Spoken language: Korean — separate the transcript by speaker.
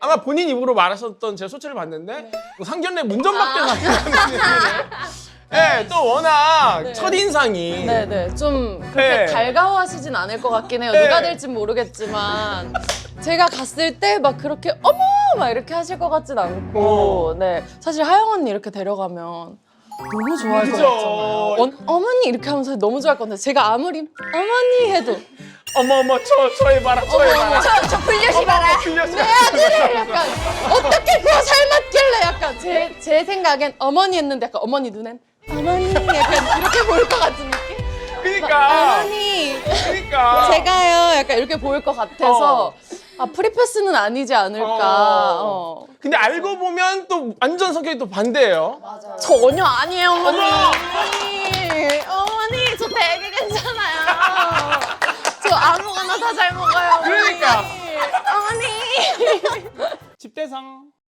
Speaker 1: 아마 본인 입으로 말하셨던 제 소체를 봤는데 상견례 문전박대 같은 느낌이네. 네, 또 워낙
Speaker 2: 네.
Speaker 1: 첫인상이
Speaker 2: 네네 좀 그렇게
Speaker 1: 네.
Speaker 2: 달가워하시진 않을 것 같긴 해요.
Speaker 1: 네.
Speaker 2: 누가 될진 모르겠지만 제가 갔을 때 막 그렇게 어머 막 이렇게 하실 것 같진 않고 네 사실 하영 언니 이렇게 데려가면 너무 좋아할 것
Speaker 1: 그죠.
Speaker 2: 같잖아요. 어머니 이렇게 하면서 너무 좋아할 건데 제가 아무리 어머니 해도
Speaker 1: 어머 저 해봐라 저 해봐라.
Speaker 2: 저 불려시 봐라.
Speaker 1: 불려시
Speaker 2: 내 아들을 약간 어떻게 그거 삶았길래 약간 제 생각엔 어머니 했는데 약간 어머니 눈엔 어머니 약간 이렇게 보일 것 같은 느낌?
Speaker 1: 그러니까
Speaker 2: 어머니
Speaker 1: 그러니까
Speaker 2: 제가요 약간 이렇게 보일 것 같아서 아 프리패스는 아니지 않을까.
Speaker 1: 근데 알고 보면 또 완전 성격이 또 반대예요.
Speaker 2: 전혀 아니에요 어머니. 어머니 저 되게 괜찮아요. 저 아무거나 다 잘 먹어요. 어머니.
Speaker 1: 그러니까.
Speaker 2: 어머니.
Speaker 1: 집대상